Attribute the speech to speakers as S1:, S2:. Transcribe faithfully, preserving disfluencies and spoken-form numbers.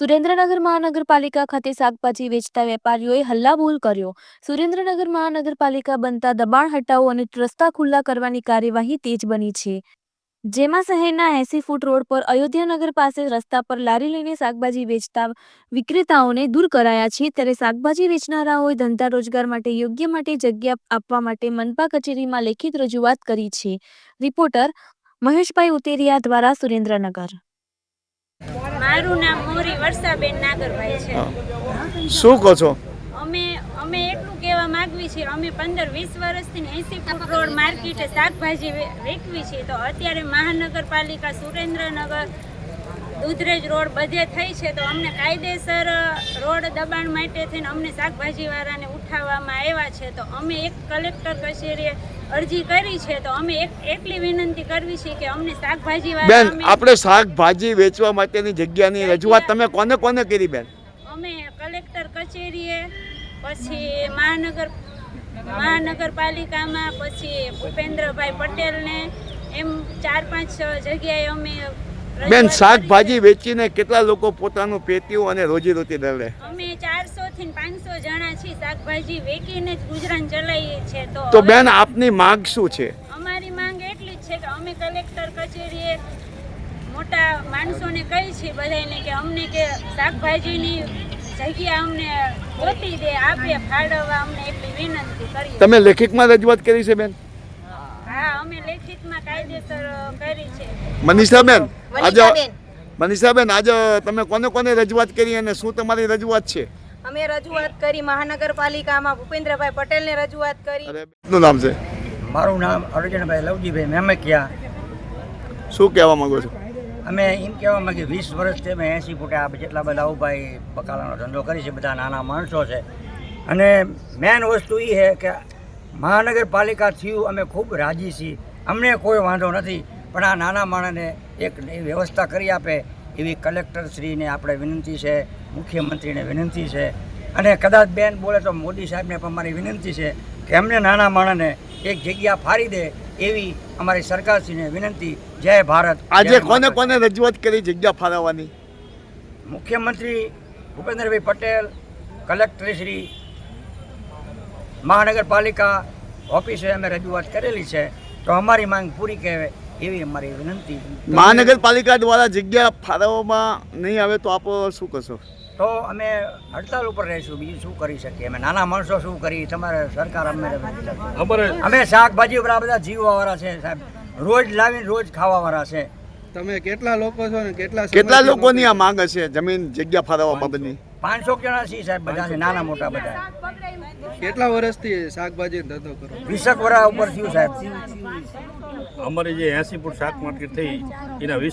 S1: સુરેન્દ્રનગર મહાનગરપાલિકા ખાતે શાકભાજી વેચતા વેપારીઓએ હલ્લાબોલ કર્યો। સુરેન્દ્રનગર મહાનગરપાલિકા બનતા દબાણ હટાવો અને રસ્તા ખુલ્લા કરવાની કાર્યવાહી તેજ બની છે, જેમાં શહેરના એંસી ફૂટ રોડ પર અયોધ્યાનગર પાસે રસ્તા પર લારી લઈને શાકભાજી વેચતા વિક્રેતાઓને દૂર કરાયા છે। ત્યારે શાકભાજી વેચનારાઓએ ધંધા રોજગાર માટે યોગ્ય માટે જગ્યા આપવા માટે મનપા કચેરીમાં લેખિત રજૂઆત કરી છે। રિપોર્ટર મહેશભાઈ ઉતેરિયા દ્વારા સુરેન્દ્રનગર।
S2: મારું નામ મોરી વર્ષાબેન નાગરભાઈ છે।
S3: શું કહો છો?
S2: અમે અમે એટલું કહેવા માંગવી છે, અમે પંદર વીસ વર્ષથી એંસી ફૂટ રોડ માર્કેટે શાકભાજી વેચવી છે, તો અત્યારે મહાનગરપાલિકા સુરેન્દ્રનગર દૂધરેજ રોડ બધે થઈ છે, તો અમને કાયદેસર રોડ દબાણ માટે થઈને અમને શાકભાજીવાળાને ઉઠાવવામાં આવ્યા છે। તો અમે એક કલેક્ટર કચેરીએ અરજી કરી છે, તો અમે એક એટલી વિનંતી કરવી છે કે અમને શાકભાજીવાળા
S3: બેન, આપણે શાકભાજી વેચવા માટેની જગ્યાની રજૂઆત તમે કોને કોને કરી બેન?
S2: અમે કલેક્ટર કચેરીએ, પછી મહાનગર મહાનગરપાલિકામાં, પછી ભૂપેન્દ્રભાઈ પટેલને, એમ ચાર પાંચ જગ્યાએ અમે
S3: બેન, શાકભાજી વેચીને કેટલા લોકો પોતાનું પેટીયું અને રોજીરોટી દળે?
S2: અમે ચારસો થી પાંચસો જણા છીએ, શાકભાજી વેચીને જ ગુજરાન ચલાવીએ છીએ। તો
S3: તો બેન, આપની માંગ શું છે?
S2: અમારી માંગ એટલી જ છે કે અમે કલેક્ટર કચેરીએ મોટા માણસોને કહી છીએ બધાને કે અમને કે શાકભાજીની જગ્યા અમને ગોતી દે, આપે ફાળવવા, અમને એટલી વિનંતી કરીએ।
S3: તમે લેખિતમાં રજૂઆત કરી છે બેન?
S2: હા, અમે લેખિતમાં કાયદેસર કરી છે।
S3: મનીષાબેન, આજે મનીષાબેન આજે તમે કોને કોને રજૂઆત કરી અને શું તમારી રજૂઆત છે?
S4: અમે રજૂઆત કરી મહાનગરપાલિકામાં ભૂપેન્દ્રભાઈ પટેલને રજૂઆત કરી।
S3: શું નામ છે?
S5: મારું નામ અર્જુનભાઈ લવજીભાઈ મેમકિયા।
S3: શું કહેવા માંગો છો?
S5: અમે એમ કહેવા માંગીએ વીસ વર્ષથી અમે એંસી ફૂટે આ જેટલા બધા ઉભાઈ બકાલાનો ધંધો કરી છે, બધા નાના માણસો છે, અને મેન વસ્તુ એ છે કે મહાનગરપાલિકા થયું અમે ખૂબ રાજી છીએ, અમને કોઈ વાંધો નથી, પણ આ નાના માણસને એક વ્યવસ્થા કરી આપે એવી કલેક્ટરશ્રીને આપણે વિનંતી છે, મુખ્યમંત્રીને વિનંતી છે, અને કદાચ બેન બોલે તો મોદી સાહેબને પણ મારી વિનંતી છે કે એમને નાના માણસને એક જગ્યા ફાળી દે એવી અમારી સરકારશ્રીને વિનંતી। જય ભારત।
S3: આજે કોને કોને રજૂઆત કરી જગ્યા ફાળવવાની?
S5: મુખ્યમંત્રી ભૂપેન્દ્રભાઈ પટેલ, કલેક્ટરશ્રી, મહાનગરપાલિકા ઓફિસે અમે રજૂઆત કરેલી છે, તો અમારી માંગ પૂરી કહેવાય એવી અમારી વિનંતી।
S3: મહાનગરપાલિકા દ્વારા જગ્યા ફાળવવામાં નહીં આવે તો આપ શું કરશો?
S5: તો અમે હડતાલ ઉપર રહીશું, બીજું શું કરી શકીએ? અમે નાના માણસો શું કરી? તમારે સરકાર અમે અમે શાકભાજી ઉપર આ બધા જીવવાવાળા છે સાહેબ, રોજ લાવીને રોજ ખાવાવાળા છે।
S6: તમે કેટલા લોકો છો ને કેટલા
S3: કેટલા લોકોની આ માંગ છે જમીન જગ્યા ફાળવવા બાબતની?
S5: પાંચસો જણા છીએ સાહેબ, બધા છે, નાના મોટા બધા।
S6: કેટલા વર્ષથી શાકભાજી ધંધો કરો?
S5: વીસક વર્ષ ઉપર થયું સાહેબ।
S7: અમારી જે એંસી ફૂટ શાક માર્કેટ થઈ એના વીસ